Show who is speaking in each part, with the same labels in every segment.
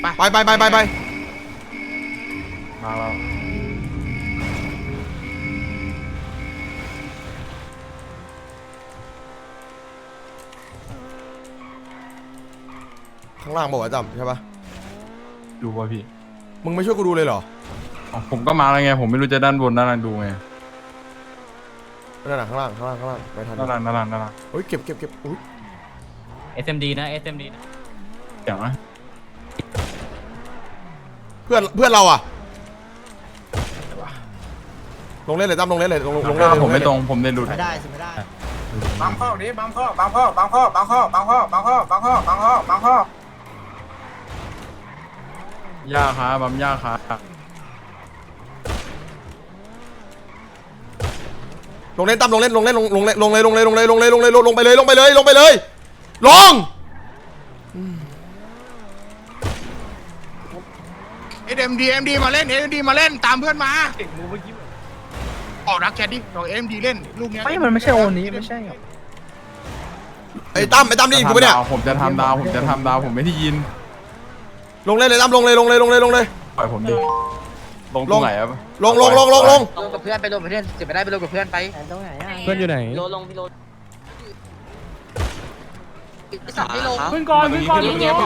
Speaker 1: ไป
Speaker 2: มาแล้ว
Speaker 1: ข้างล่างบอกว่าจำใช่ปะ
Speaker 2: ดูป่ะพี่
Speaker 1: มึงไม่ช่วยกูดูเลยเหรอ
Speaker 2: ผมก็มาแล้วไงผมไม่รู้จะด้านบนด้านล่างดูไง
Speaker 1: นั่นน่ะข้างล่างไม่ทัน
Speaker 2: ด้านล่าง
Speaker 1: โอ้ยเก็บอุ้ย
Speaker 3: SMD นะ SMD นะ
Speaker 2: เดี๋ยวนะ
Speaker 1: เพื่อนเราอะลงเล่นเลยตั้มลงเล่นเลยลงเล่นเลย
Speaker 2: ผมไม่ตรงผมได้หลุด
Speaker 4: ไม่ได้สิไม่ได้
Speaker 5: บังข้อนี้บังข้อย
Speaker 2: าขาบัมยาขา
Speaker 1: ลงเล่นตั้มลงเลยลงไปเลยลง
Speaker 5: เอ็มดีมาเล่นตามเพื่อนมาออกรักแคดดิเราเอ็มดีเล่นลูกเนี้ย
Speaker 4: มันไม่ใช่โอนนี้ไม่ใช่
Speaker 1: ไอ้ตั้มได้ยินกูปะเนี่ย
Speaker 2: ผมจะทำดาวผมไม่ได้ยิน
Speaker 1: ลงเล่นเลยตั้มลงเลย
Speaker 2: ปล่อยผมดิลงตรงไหนอะ
Speaker 1: ลง
Speaker 4: ลงกับเพื่อนไปลงกับเพื่อนเจ็บไม่ได้ไปลงกับเพื่อนไปตรงไหนเพื่อนอยู่ไหนพี่โรสับไม่ลง
Speaker 2: ขึ้นก่อนมา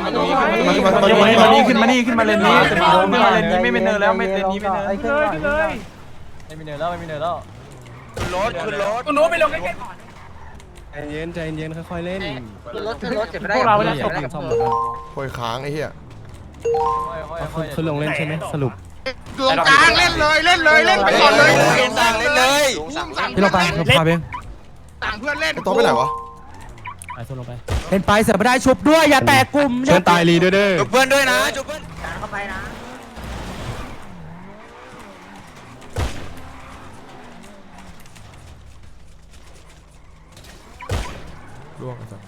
Speaker 2: นี่ขึ้นมาเลนนี้ไม่เป็นเนินแล้วไม่เลนนี้ไม่เนิน
Speaker 3: ไม่มีเนินแล้วขึ้นรถไปลงใกล้ๆก่อน
Speaker 6: ใจเย็นค่อยๆเล่น
Speaker 4: ขึ้นรถเจ็บไม่ได้
Speaker 6: พวกเราไม่ได้ซ่อม
Speaker 1: โอยค้างไอ้เหี้ย
Speaker 6: คือลงเล่นใช่ไหมสรุป
Speaker 5: ลงกลางเล่นไปก่อนเลย
Speaker 6: พี่เราไปเราพาเอง
Speaker 5: ต่างเพื่อนเล่น
Speaker 1: ไอ้โต๊ะไปไหนวะ
Speaker 6: ไปโซนลงไปเล่นไปเสือไม่ได้ชุบด้วยอย่าแตกกลุ่มเชิญตายรีด้วยเด้อ
Speaker 4: เพื่อนด้วยนะจุ๊บเพื่อนเข้าไปนะ
Speaker 1: ล่วงไอ้สัส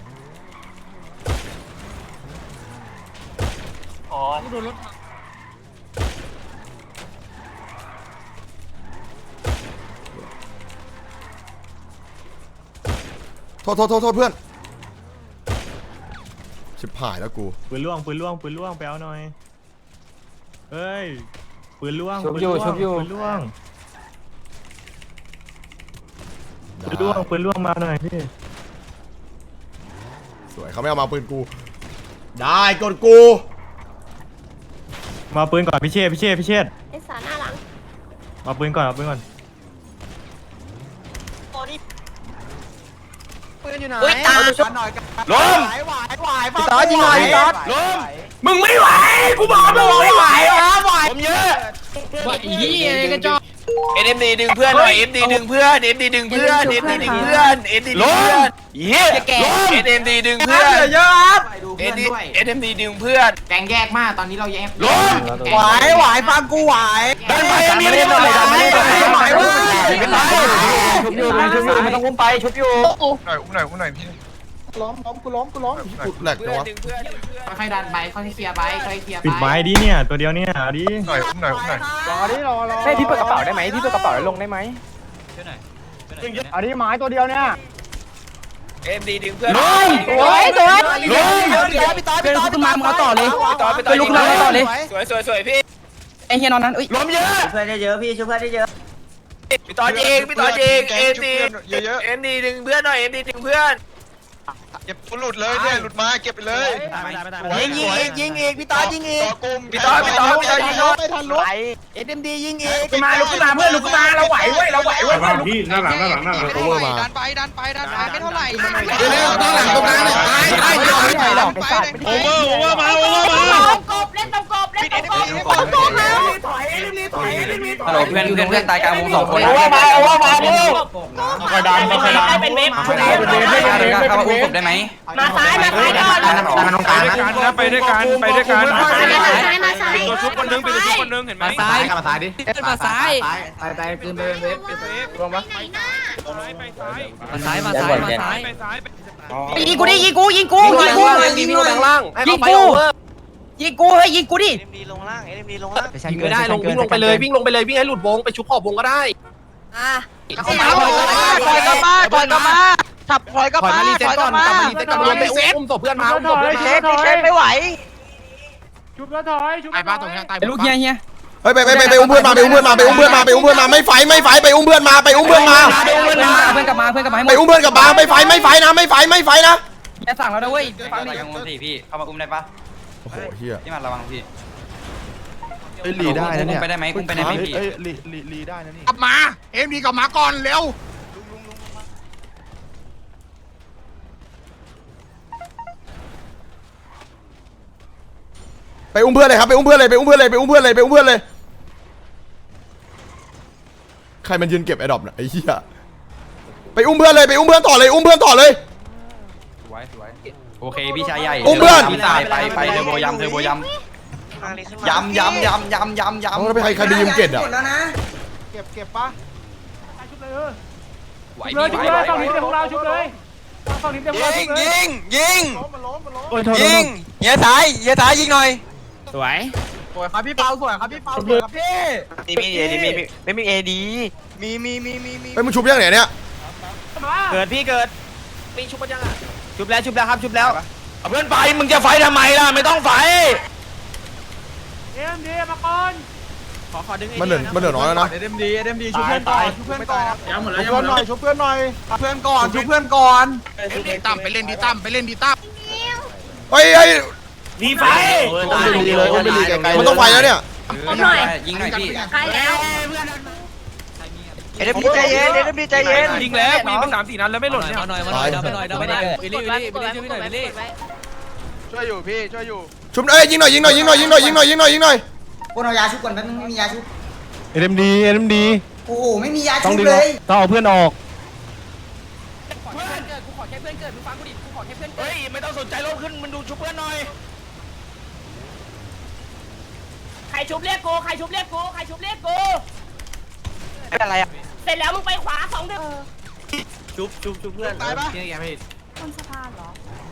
Speaker 1: โทษเพื่อนชิบหายแล้วกู
Speaker 6: ปืนล่วงไปเอาหน่อยเฮ้ยปืนล่วง
Speaker 1: ชุบอยู่
Speaker 6: ปืนล่วงมาหน่อยพี่
Speaker 1: สวยเขาไม่เอามาปืนกูได้กดกู
Speaker 6: มาปืนก่อนพี่เชษ
Speaker 7: ไอ้สาหน้าหลัง
Speaker 6: มาปืนก่อน
Speaker 4: ปืนอยู่ไหนตาชุบหน่อย
Speaker 5: ล้ม
Speaker 4: พี่ต๊อดยิงหน่อยพี่ต๊อด
Speaker 5: ล้มมึงไม่ไหวกูบอกมึงไม่ไหวผมเยอะ
Speaker 3: ว่าอีกระจอก
Speaker 5: เอ็มดีดึงเพื่อนหน่อยเอ็มดีดึงเพื่อนเย้เอ็มดีดึงเพื่อนเยอะครับเอ็มดีดึงเพื่อน
Speaker 3: แกงแยกมากตอนนี้เราแยก
Speaker 5: ล้ม
Speaker 4: ไหวฟังกูไหว
Speaker 5: ดันไปไม่ได้หน่อยไหวเว้ย
Speaker 4: ชุบอยู่ไม่ต้องอุ้มไปชุบอยู่
Speaker 5: อุ้มหน่อยพี่
Speaker 1: กูแหลกจังวะ
Speaker 3: ค่อยๆดันไปค่อยๆเคลียร์ไป
Speaker 6: ปิดไม้ดิเนี่ยตัวเดียวเนี่ยดิ
Speaker 5: หน่อย
Speaker 4: เฮ้ยพี่เปิดกระเป๋าได้ไหมพี่เปิดกระเป๋าแล้วลงได้ไหมอันนี้ไม้ตัวเดียวเนี่ย
Speaker 5: เอ็มดีดึงเพื่อน
Speaker 4: สวยพี่ต๊อด
Speaker 3: เป็นลูกขึ้นมามึงเอาต่อเลยเป็นลูกขึ้นมาเอาต่อเลย
Speaker 5: สวยพี่
Speaker 3: ไอ้เฮียนอนนั้นอุ้ย
Speaker 5: ล้มเยอะ
Speaker 4: เพื่อนเยอะพี่ช่วยเพื่อนเยอะ
Speaker 5: พี่ต่อจริงเอ็มดีดึงเพื่อนหน่อยเอ็มดีดึงเพื่อนเก็บหลุดเลยเนี่ยหลุดมาเก็บไปเลย
Speaker 4: ยิงอีกพี่ต๊อดยิงอีก
Speaker 5: พี่ต่อยิงรถ
Speaker 4: เอ็มดียิงอีก
Speaker 5: ลุกขึ้นมาเพื่อนลุกขึ้นมาเราไหวเว้ย
Speaker 6: พี่หน้าหลัง
Speaker 1: โอเวอร์มา
Speaker 5: ดันไปไม่เท่าไหร่
Speaker 1: เร็วๆตั้งหลังตรงกลางเลยโอเวอร์มา
Speaker 3: ฮัลโหลเพื่อนตายกลางวง2 คนนะ
Speaker 5: คอยดันเป็นเว็บ
Speaker 3: เข้ามาอุ้มผมได้ไหม
Speaker 7: มาซ้ายก่อน
Speaker 3: ดันตรงกลางนะ
Speaker 5: ไปด้วยกัน
Speaker 7: มาซ้าย
Speaker 5: ตัวชุบคนนึงเป็นตัวชุบคนนึงเห็นไหม
Speaker 3: มาซ้ายมาซ้ายดิมาซ้ายไปคืนไปเว็บ
Speaker 7: รวมปะ
Speaker 3: มาซ้าย
Speaker 4: ยิงกูดิยิงกูยิงกูยิงกูยิงกูยิงกูเฮ้ยยิงกูดิ
Speaker 3: ยิงไม่ได้วิ่งลงไปเลยวิ่งให้หลุดวงไปชุบขอบวงก็ได้
Speaker 4: ถอยกลับมาถับถอยกลับมา
Speaker 3: มารีเซ็ตก่อนรวมไปอุ้มศพเพื่อนมาอุ้มศพเพื่อน
Speaker 4: เช็คไม่ไหว
Speaker 6: ชุบแล้วถอยชุบ
Speaker 1: ตายป้าตรงนี้ตาย
Speaker 2: ลูกเฮียเฮีย
Speaker 8: เฮ้ยไปอุ้มเพื่อนมาไปอุ้มเพื่อนมาไปอุ้มเพื่อนมาไปอุ้มเพื่อนมาไม่ไฟไปอุ้มเพื่อนมาไปอุ้มเพื่อนมา
Speaker 2: เพื่อนกลับมาให้หม
Speaker 8: ไป
Speaker 2: ด
Speaker 8: อุ้มเพื่อนกลับมาไม่ไฟนะไม่ไฟนะ
Speaker 2: เฮียสั่งแล้วนะเว้ย
Speaker 9: ฟังอย่างงงสิพี่เข้ามาอุ้มได้ปะ
Speaker 8: โอ้โหเฮีย
Speaker 9: พี่มันระวังพี่
Speaker 5: ลีได้นะเนี่ย
Speaker 9: ไปได้ไหมอุ้มไปได้ไหมพี่
Speaker 5: ลีได้นะนี่
Speaker 1: กลับมาเอ็มดีกลับมาก่อนเร็ว
Speaker 8: ไปอุ้มเพื่อนเลยครับไปอุ้มเพื่อนเลยใครมันยืนเก็บไอ้ดอกน่ะไอ้เหี้ยไปอุ้มเพื่อนต่อเลย
Speaker 9: สวยโอเคพี่ชายใหญ่
Speaker 8: อุ้มเพื่อน
Speaker 9: พี่ชายไปเทอร์โบยำย้ำ
Speaker 8: เอาแล้วไปใครไปยืมเก็บอ่ะ
Speaker 5: เก็บปะ
Speaker 6: ชุบเลย
Speaker 9: ไหว
Speaker 6: ชุบเลยฝั่งนี้เป็นของเราชุบเลยฝั่งนี้เป็นของเราชุบเลย
Speaker 5: ยิง
Speaker 6: โอ้ยโทษ
Speaker 5: เฮียสายยิงหน่อย
Speaker 2: สวย
Speaker 3: สวยครับพี่เปาสวยครับพี่เปาสวยครับพี่
Speaker 5: มีเอดีไม่มีเอดีมี
Speaker 8: ไปมึงชุบยังไหนเนี่ย
Speaker 3: เกิดพี่เกิดมีชุบยังอ่ะชุบแล้วครับชุบแล้ว
Speaker 5: เอาเพื่อนไฟมึงจะไฟทำไมล่ะไม่ต้องไฟ
Speaker 6: เอ็มดีมาก่อน
Speaker 3: ขอดึง
Speaker 8: มันเหลือน้อยแล้วนะ
Speaker 3: เอ็มดีชุบเพื่อนก่อนชุบเพื่อนก่อน
Speaker 6: ยังหมดแล้วยังหมดแล้ว
Speaker 3: ชุบเพื่อนก่อน
Speaker 1: ดีตั้มไปเล่นดีตั้ม
Speaker 8: เฮ้ย
Speaker 3: มีไฟ
Speaker 8: มันต้องไฟแล้วเนี่ย
Speaker 9: ยิงหน่อยพี่
Speaker 7: ใครแล้ว
Speaker 5: เอ็มดีใจเย็น
Speaker 3: ยิงแล้วยิงไป3-4 นัดแล้วไม่หล่นเนี่ย
Speaker 5: ช่วยอยู่พี่ช่วยอยู่
Speaker 8: ชุบยิงหน่อย
Speaker 4: คนเอายาชุบก่อนแป๊บนึงไม่มียาชุบ
Speaker 6: เอ็มดี
Speaker 4: โอ้โหไม่มียาชุบเลย
Speaker 6: ต้องเอาเพื่อนออก
Speaker 5: เฮ้ยไม่ต้องสนใจลงขึ้นมันดูชุบเพื่อนหน่อย
Speaker 7: ใครชุบเรียกกูใครชุบเรียกกู
Speaker 5: เป็นอะไรอ่ะ
Speaker 7: เสร็จแล้วมึงไปขวา2เดือน
Speaker 3: ชุบเพื่อน
Speaker 5: ตายปะ
Speaker 7: บนสะพานเหรอ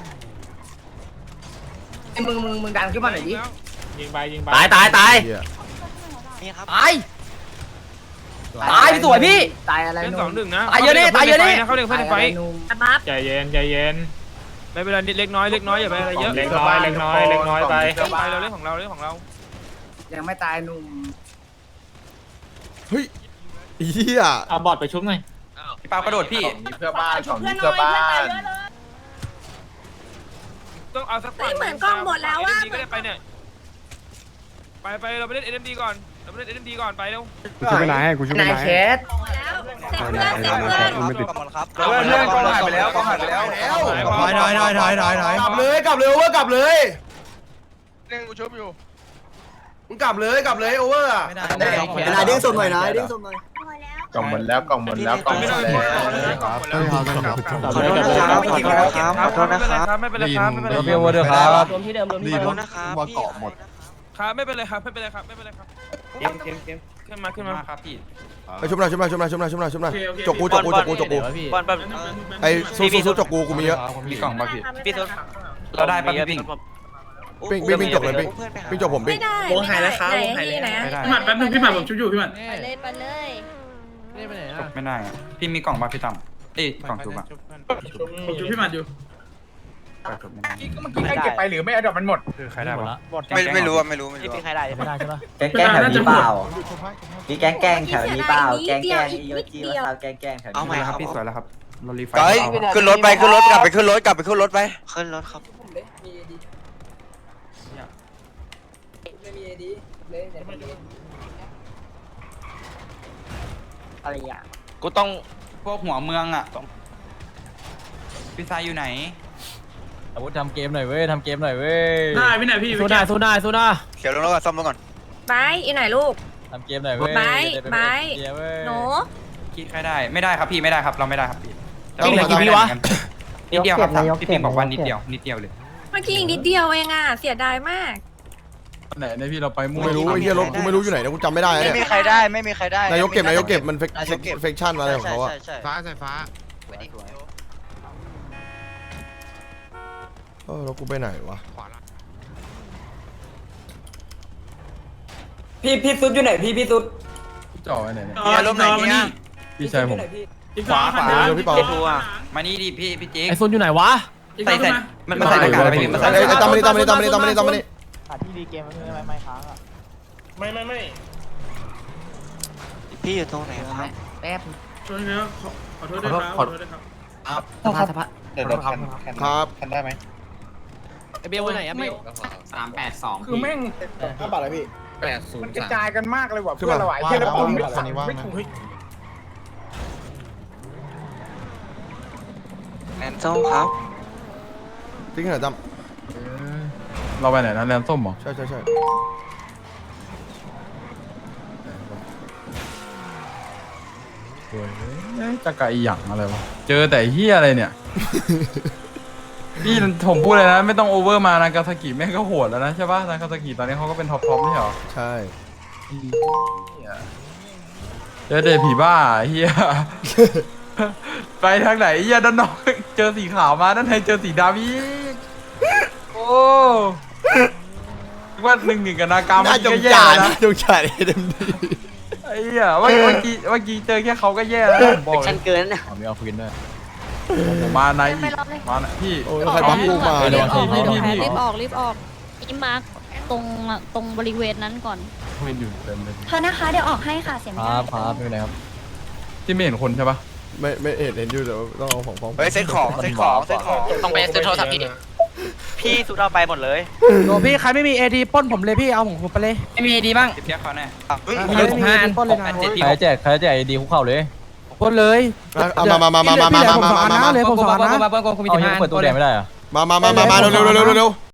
Speaker 4: มึงดันขึ้นมาหน่อยดิ
Speaker 6: ยิงไป
Speaker 3: ตาย
Speaker 5: นี่ครับ
Speaker 2: ตายพี่สวยพี่
Speaker 4: ตายอะไร
Speaker 3: เล่น
Speaker 4: นุ่ม
Speaker 3: 2-1 นะ
Speaker 2: ตายเยอะดิ
Speaker 3: เขาเล่นเพื่อนไฟ
Speaker 7: บัฟ
Speaker 6: ใจเย็น
Speaker 3: ไม่เป็นไรเล็กน้อยอย่าไปอะไรเยอะ
Speaker 6: เล็กน้อยไป
Speaker 3: ไปเราเล่นของเรา
Speaker 4: ยังไม่ตายนุ่ม
Speaker 8: เฮ้ยเหี้ย
Speaker 6: เอาบอดไปชุบหน่อย
Speaker 9: พี่เปากระโดดพี่
Speaker 7: เพื่อนหน่อยเพื่อนตายเยอะเลย
Speaker 3: ต้องเอาสัก
Speaker 7: เฮ้ยเหมือนกล้องหมดแล้วอะ
Speaker 3: ก็ได้ไปเนี่ยไปเราไปเล่น NMD ก่อนไปเร็ว
Speaker 6: กูชุบไม่นายให้กูชุบไม่
Speaker 4: นาย
Speaker 6: นาย
Speaker 4: แคส
Speaker 7: แล้วเสร็จเพื่อนเสร็จเพื่อน
Speaker 5: ไม่ติดครับ
Speaker 3: เพื่อนกองหายไปแล้ว
Speaker 5: กลับเลยเล่นกูชุบอยู่
Speaker 3: มึงกลับเลยโอเวอร์อ่ะ
Speaker 4: นายเด้งส่งหน่อยนะเด้งส่งหน่อย
Speaker 7: พอแล้ว
Speaker 6: กล่องหมดแล้ว
Speaker 3: ขอโทษนะครับไม่เป็นไรครับ
Speaker 2: พี่โอเวอร์ด้วยครับ
Speaker 7: รวมที่เดิมที่เดิม
Speaker 5: นะครับว่าเกาะหมด
Speaker 3: ครับไม่เป็นไรครับขึ้นมา
Speaker 9: ครับพี่
Speaker 8: ไปชุบหน่อยจกกูไอ้สู้จกกูมีเยอะ
Speaker 9: มีกล่องป่ะพี่
Speaker 5: พี่ทุน
Speaker 9: เราได้ป่ะพี่ปิ้ง
Speaker 8: ปิ้งจกเลยปิ้งจกผมปิ้
Speaker 7: ไม่
Speaker 8: ง
Speaker 7: ได้
Speaker 3: วงหายแล้วครับ
Speaker 7: ไหนนี่นะ
Speaker 9: ไม่ได้
Speaker 6: พี่หมัดแป๊บนึงพี่หมัดผมชุบอยู่พี่หมัด
Speaker 7: ไปเลย
Speaker 9: ไม่ได้อะพี่มีกล่องป่ะพี่ตั้มกล่องจุ๊บอะ
Speaker 6: ผมชุบพี่หมัดอยู่
Speaker 9: ไม่ได้
Speaker 2: เมื่อกี้ใครเก็บไปหรือไม่เอาดอกมันหมด
Speaker 9: คือใครได้วะ
Speaker 5: ไม่รู้ไม่รู้
Speaker 3: พี่ใครได้
Speaker 2: ไม่ได้ใช่ปะ
Speaker 6: แกล้งแถวนี้เปล่า
Speaker 7: มีแก๊งแถวนี้เปล่าแก๊งอีโยจีมา
Speaker 4: แกงแถว
Speaker 5: เอาใหม่ครับ
Speaker 9: พี่สวยแล้วครับเรารีไฟ
Speaker 5: เฮ้ยขึ้นรถกลับไปขึ้นรถขึ้นรถครับ
Speaker 4: อะไรอ่ะ
Speaker 5: กูต้อง
Speaker 9: พวกหัวเมืองอะพี่ชายอยู่ไหน
Speaker 2: อาวุธทำเกมหน่อยเว้ย
Speaker 6: ได้พี่ไหนพี่
Speaker 3: สู้ได้
Speaker 5: เขียวลงแล้วก็ซ่อมรถก่อน
Speaker 7: ไปอีไหนลูก
Speaker 2: ทำเกมหน่อยเว้ย
Speaker 7: หนู
Speaker 9: คิดใครได้ไม่ได้ครับพี่ไม่ได้ครับเราไม่ได้ครับพี่
Speaker 3: จริงเหรอกี่วิวะ
Speaker 9: นิดเดียวครับพี่ปิงบอกว่านิดเดียวเลย
Speaker 7: เมื่อกี้อีกนิดเดียวเองอ่ะเสียดายมาก
Speaker 2: ไหนเนี่ยพี่เราไป
Speaker 8: กูไม่รู้ไอ้เหี้ยรถกูไม่รู้อยู่ไหนนะกูจำไม่ได้
Speaker 5: ไม่
Speaker 8: เนี่ย
Speaker 5: มีใครได้
Speaker 8: นายกเก็บมันเฟกชั่นอะไรของเขาอะ
Speaker 1: ฟ้าใส่ฟ้า
Speaker 8: แล้วกูไปไหนวะ
Speaker 4: พี่ซุดอยู่ไหนพี่ซุด
Speaker 2: จ่อไว้ไหนเนี่ย
Speaker 5: เนี่ยล้มไหนเนี่ย
Speaker 2: พี่ชายผม
Speaker 6: ขวา
Speaker 8: เดี๋ยวพี่เปา
Speaker 9: มานี่ดิพี่จิ๊ก
Speaker 3: ไอโซนอยู่ไหนวะ
Speaker 9: ใส่มันใส่หน้ากากอะไรพี่มันใส่
Speaker 8: ไอ้ตามมานี่
Speaker 2: ที่ดีเกมมันคืออะไรไม่ค้างอ่ะ
Speaker 6: ไม่
Speaker 1: พี่อยู่ตรงไหนครับ
Speaker 4: แป๊บ
Speaker 6: ช่วยนะขอโทษด้วยครับขอโทษด้วยครับ
Speaker 4: สภา
Speaker 1: เดี๋ยวแคน
Speaker 8: ครับ
Speaker 1: แคนได้ไหม
Speaker 3: ไอเบลวันไหนอะเบล
Speaker 9: 382
Speaker 2: คือแม่ง
Speaker 1: 5 บาทเลยพี่
Speaker 2: มันกระจายกันมากเลยว่ะ
Speaker 8: ขึ้น
Speaker 2: เพื่อ
Speaker 8: มา
Speaker 2: นเราไหวแค่ละปุ่มไม่ถูก
Speaker 1: แอนส้มครับ
Speaker 8: ทิ้งขนาดจ
Speaker 2: เราไปไหนนะแรมส้มเหรอ
Speaker 8: ำใช่
Speaker 2: จะกะอีหยังอะไรวะเจอแต่เฮียอะไรเนี่ย พี่ผมพูดเลยนะไม่ต้องโอเวอร์มานากาซากิแม่งก็โหดแล้วนะใช่ป่ะนากาซากิตอนนี้เขาก็เป็นท็อปไม่ใช่เหรอ
Speaker 8: ใช่
Speaker 2: เจอแต่ผีบ้าเฮีย ไปทางไหนเฮียด้านนอกเจอสีขาวมาด้านในเจอสีดำอีกโอ้ว่า1-1กับนากา
Speaker 8: น่า
Speaker 2: มัน
Speaker 8: จ
Speaker 2: ก็
Speaker 8: ง
Speaker 2: แย่
Speaker 8: จ่าย
Speaker 2: นะ
Speaker 8: น่าจงจ่ายเต็มที่
Speaker 2: ไอ้เหี้ยเมื่อกี้เจอแค่เขาก็แย่แล้วผมบอกเล
Speaker 7: ฉั
Speaker 2: ย
Speaker 7: นเกินนะ
Speaker 2: มีเอาคืนด้วยผมมาในอีกมาในพี่
Speaker 8: โอ้ยใครบัฟกูมา
Speaker 2: เดี๋
Speaker 8: เนี่ย
Speaker 2: ยวพี่
Speaker 10: รีบออกนี่มาร์คตรงบริเวณนั้นก่อน
Speaker 2: ไม่อยู่เต็มเลย
Speaker 10: เธอนะคะเดี๋ยวออกให้ค่ะเสียงไม่ได้
Speaker 2: ครับไม่เป็นไรครับที่ไม่เห็นคนใช่ปะ
Speaker 8: ไม่เห็นอยู่แต่ว่าต้องเอาของฟ้อง
Speaker 1: เฮ้ยเซ็ตของ
Speaker 3: ต้องไปซื้อโทรศัพท์พี่
Speaker 1: พี่สุดเอาไปหมดเลย
Speaker 4: โหพี่ใครไม่มีเอทีป้นผมเลยพี่เอาผมไปเลยไม่มีเอทีบ้าง
Speaker 9: 10เทียบเขาแน่
Speaker 4: มีผม5 อันป้นเลยนะ
Speaker 2: ใครแจกดีคุกเข่าเลย
Speaker 4: ป้นเลย
Speaker 8: เอามา
Speaker 4: เลยผม2 อันนะผมมี15 อัน
Speaker 2: ตู้แดงไม่ได้อะ
Speaker 8: มาเร็ว